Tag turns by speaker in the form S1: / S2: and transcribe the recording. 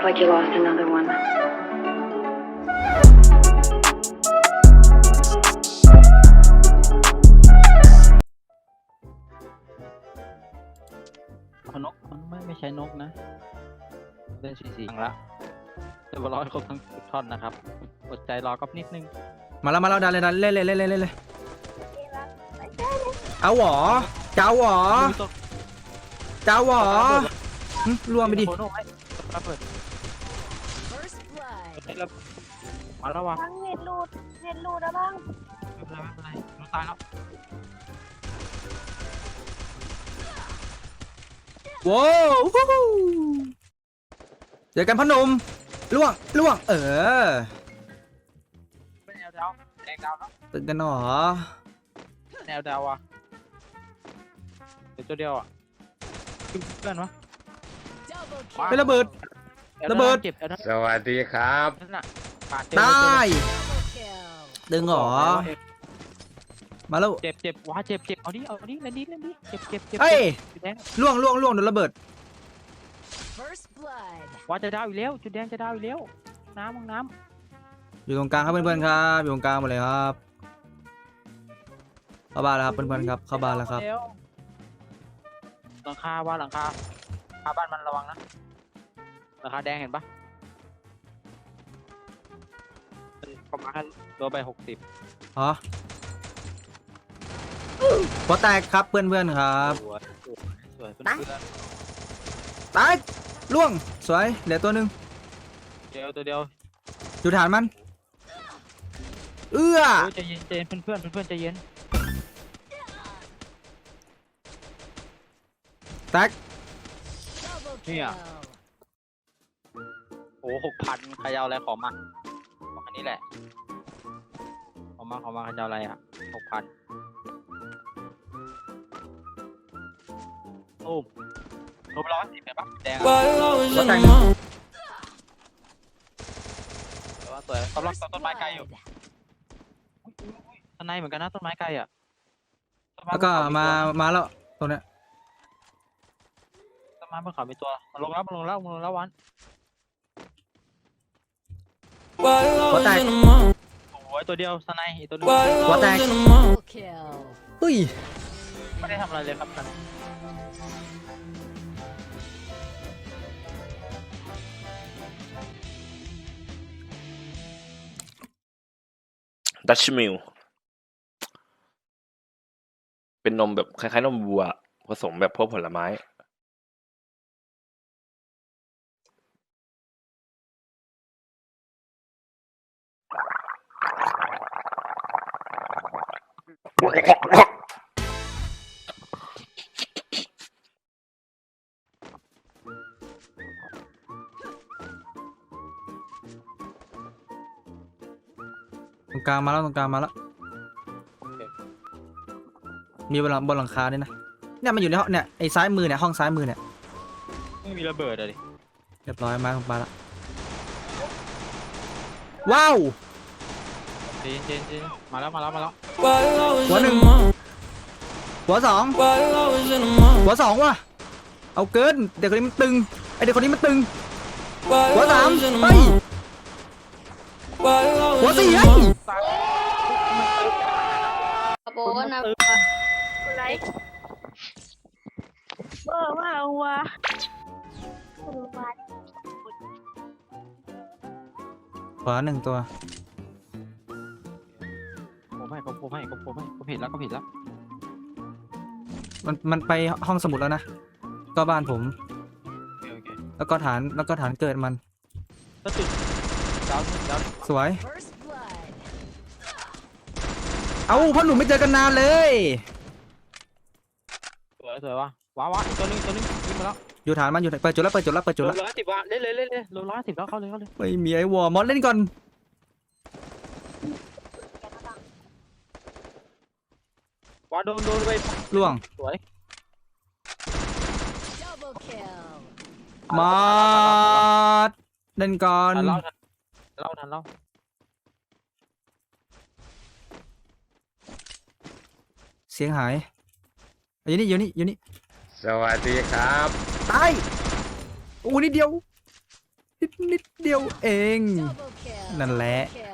S1: like you lost another one.
S2: นกมันไม่ใช่นกนะเล่น4-4ครั้งละจะบอลให้ครบทั้งท่อนนะครับอดใจรอก็นิดนึง
S3: มาแล้วดันเล่นเลยเอาหวอเจ้าหวอล่วงไปดิ
S2: โคโน่ให้ระเบิดมาแล้ววะ
S4: ทั้งเน็ตรูดแล้วบ้าง
S2: ไม่เป็นไรรู้ตายแล้ว
S3: ว้าวเจอกันพ่อหนุ่มล่วง
S2: เป็นแนวดาวแดงดาวแล้ว
S3: ตื่นกันหรอ
S2: แนวดาวอ่ะเดี๋ยวตัวเดียวอ่ะเพื่อนวะ
S3: ไประเบิด
S2: เจ็บ
S5: สวัสดีครับ
S2: นั่นน่ะ
S3: ได้ดึงหรอมาแล้ว
S2: เจ็บว้าเจ็บเอาดิเล่นดิเจ็บ
S3: เฮ้ย
S2: จุดแดง
S3: ล่วงโดนระเบิด
S2: ว้าจะดาวอีกแล้วจุดแดงจะดาวอีกแล้วน้ำ
S3: อยู่ตรงกลางครับเพื่อนๆครับอยู่ตรงกลางหมดเลยครับเข้าบ้านแล้วครับเพื่อนๆครับเข้าบ้านแล้วครับ
S2: หลังคาบ้านมันระวังนะหลังคาแดงเห็นปะประมาณโดนไป60
S3: อ๋อหัวแตกครับเพื่อนๆครับ
S2: สวยเพื่อน
S3: ตายล่วงสวยเหลือตัวหนึ่ง
S2: ตัวเดียว
S3: อยู่ฐานมันเอื้อ
S2: ใจเย็นเพื่อนใจเย็น
S3: แตก
S2: เนี่ยโอ้6,000ใครเอาอะไรขอมาอันนี้แหละขอมาใครจะเอาอะไรอ่ะ6,000โอ้ลบ110เห็นปะแดงแต่ว่าสวยกำลังต้นไม้ไกลอยู่ต้นไม้เหมือนกันนะต้นไม้ไกลอ่ะ
S3: แล้วก็มาแล้วตัวเนี้ย
S2: ต้นไม้บนเขามีตัวมันลงแล้ววัน
S3: หัวแตก
S2: โอ้ยตัวเดียวสไนอีกตัวนึง
S3: หัวแตกเฮ้ย
S2: ไม่ได้ทำอะไรเลยครับท่าน
S5: ดัชมิลเป็นนมแบบคล้ายๆนมวัวผสมแบบพวกผลไม้
S3: ตรงกลางมาแล้วมีบนหลังคาด้วยนะเนี่ยมันอยู่ในห้องเนี่ยไอ้ซ้ายมือเนี่ยห้องซ้ายมือเนี่ย
S2: ไม่มีระเบิดเลย
S3: เรียบร้อยมาแล้วว้าว
S2: เจนมาแล้ว
S3: หัวหนึ่งหัวสองว่ะเอาเกินเด็กคนนี้มันตึงไอเด็กคนนี้มันตึงหัวสามเฮ้ยหัวสี่เฮ้ย
S4: โบนะอะไรว่าหัว
S3: ขวาหนึ่งตัว
S2: ผมเห็นแล้ว
S3: มันไปห้องสมุดแล้วนะก็บ้านผม
S2: โอเค
S3: แล้วก็ฐานเกิดมัน
S2: ก็จุดดาว
S3: สวยเอาพ่อหนุ่มไม่เจอกันนานเลย
S2: สวยว่ะว้าอีกตัวนึงยิงมาแล้ว
S3: อยู่ฐานมันอยู่เปิดจุดแล้ว
S2: 110ว่ะเล่นลง110แล้วเข้าเลย
S3: ไม่มีไอ้วอร์มอสเล่นก่อน
S2: ว้าโดนไป
S3: ล่วง
S2: สวย
S3: มาเล่นก่อน
S2: ทันเล่า
S3: เสียงหายอยู่นี่
S5: สวัสดีครับ
S3: ตายโอ้นิดเดียวนิดเดียวเอง นั่นแหละ
S1: Kill.